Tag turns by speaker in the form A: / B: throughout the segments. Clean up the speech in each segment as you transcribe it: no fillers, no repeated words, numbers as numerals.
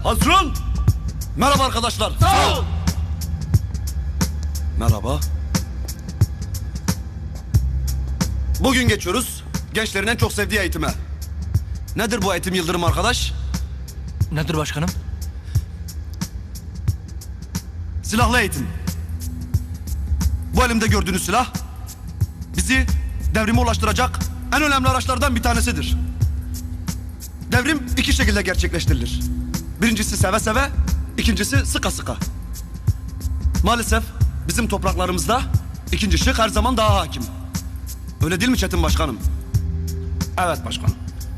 A: Hazırın. Merhaba arkadaşlar.
B: Sağ ol.
A: Merhaba. Bugün geçiyoruz gençlerin en çok sevdiği eğitime. Nedir bu eğitim Yıldırım arkadaş?
B: Nedir başkanım?
A: Silahlı eğitim. Bu elimde gördüğünüz silah bizi devrime ulaştıracak en önemli araçlardan bir tanesidir. Devrim iki şekilde gerçekleştirilir. Birincisi seve seve, ikincisi sıka sıka. Maalesef bizim topraklarımızda ikinci şık her zaman daha hakim. Öyle değil mi Çetin Başkanım?
B: Evet başkanım.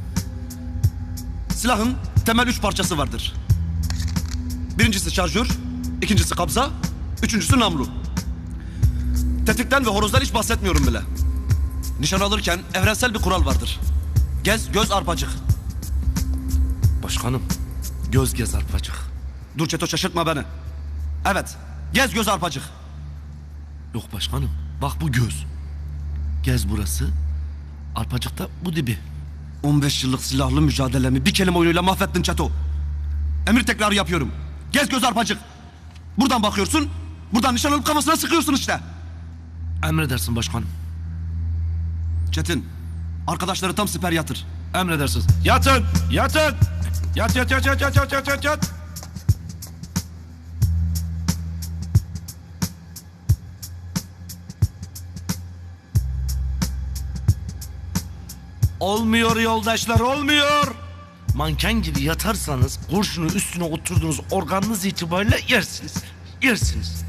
A: Silahın temel üç parçası vardır. Birincisi şarjör, ikincisi kabza, üçüncüsü namlu. Tetikten ve horozdan hiç bahsetmiyorum bile. Nişan alırken evrensel bir kural vardır. Gez, göz, arpacık.
B: Başkanım, göz gez arpacık.
A: Dur Çeto, şaşırtma beni. Evet, gez, göz, arpacık.
B: Yok başkanım, bak bu göz. Gez burası, arpacıkta bu dibi.
A: 15 yıllık silahlı mücadelemi bir kelime oyunuyla mahvettin Çeto. Emir tekrarı yapıyorum. Gez, göz, arpacık. Buradan bakıyorsun, buradan nişan alıp kafasına sıkıyorsun işte.
B: Emredersin başkanım.
A: Çetin, arkadaşları tam siper yatır.
B: Emredersiniz. Yatın, yatın. Yat, yat, yat, yat, yat, yat, yat, yat, yat. Olmuyor yoldaşlar, olmuyor. Manken gibi yatarsanız kurşunu üstüne oturduğunuz organınız itibariyle yersiniz. Yersiniz.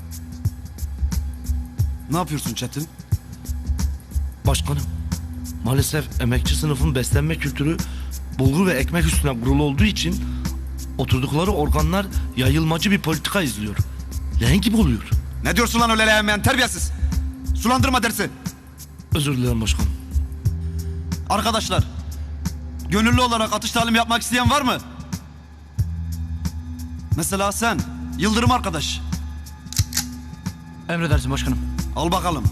A: Ne yapıyorsun Çetin?
B: Başkanım, maalesef emekçi sınıfın beslenme kültürü bulgur ve ekmek üstüne kurulu olduğu için oturdukları organlar yayılmacı bir politika izliyor. Leğen gibi oluyor.
A: Ne diyorsun lan öyle leğenmeyen terbiyesiz? Sulandırma dersi.
B: Özür dilerim başkanım.
A: Arkadaşlar, gönüllü olarak atış talimi yapmak isteyen var mı? Mesela sen, Yıldırım arkadaş.
C: Emredersin başkanım.
A: Al bakalım.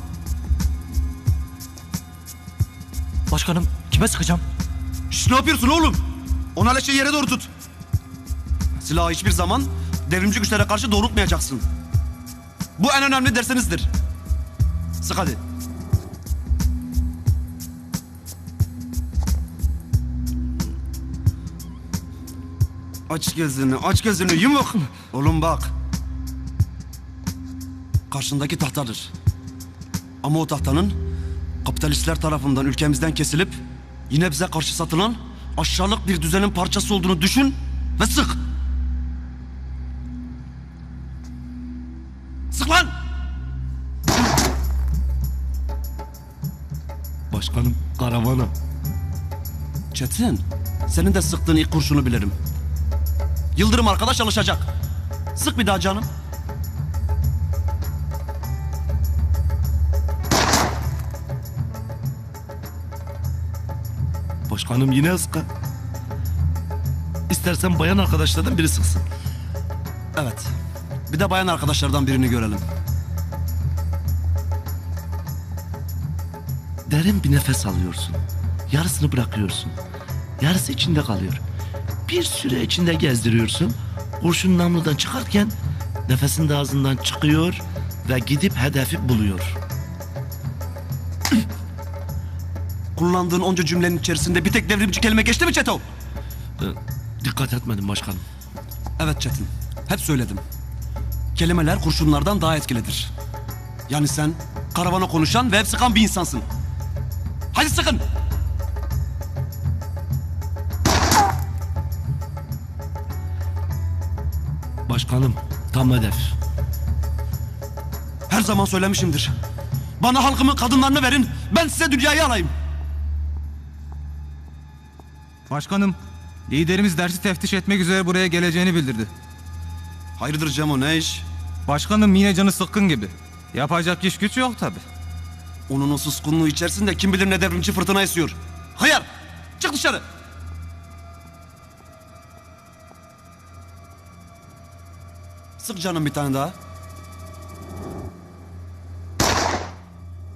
C: Başkanım kime sıkacağım?
A: Şş, ne yapıyorsun oğlum? Ona leşeyi yere doğru tut. Silahı hiçbir zaman devrimci güçlere karşı doğrultmayacaksın. Bu en önemli dersinizdir. Sık hadi. Aç gözünü, aç gözünü, yumuk. Oğlum bak. Karşındaki tahtadır. Ama o tahtanın kapitalistler tarafından ülkemizden kesilip yine bize karşı satılan aşağılık bir düzenin parçası olduğunu düşün ve sık. Sık lan!
B: Başkanım, karavana.
A: Çetin, senin de sıktığın ilk kurşunu bilirim. Yıldırım arkadaş alışacak. Sık bir daha canım.
B: Başkanım yine ıska. İstersen bayan arkadaşlardan biri sıksın.
A: Evet. Bir de bayan arkadaşlardan birini görelim.
B: Derin bir nefes alıyorsun. Yarısını bırakıyorsun. Yarısı içinde kalıyor. Bir süre içinde gezdiriyorsun. Kurşun namludan çıkarken nefesin de ağzından çıkıyor ve gidip hedefi buluyor.
A: Kullandığın onca cümlenin içerisinde bir tek devrimci kelime geçti mi Çeto?
B: Dikkat etmedim başkanım.
A: Evet Çetin. Hep söyledim. Kelimeler kurşunlardan daha etkilidir. Yani sen karavana konuşan ve hep sıkan bir insansın. Hadi sıkın.
B: Başkanım, tam hedef.
A: Her zaman söylemişimdir. Bana halkımın kadınlarını verin. Ben size dünyayı alayım.
D: Başkanım, liderimiz dersi teftiş etmek üzere buraya geleceğini bildirdi.
A: Hayırdır Cemo, ne iş?
D: Başkanım yine canı sıkkın gibi. Yapacak iş güç yok tabi.
A: Onun o suskunluğu içerisinde kim bilir ne devrimci fırtına esiyor. Hıyar! Çık dışarı! Sık canım bir tane daha.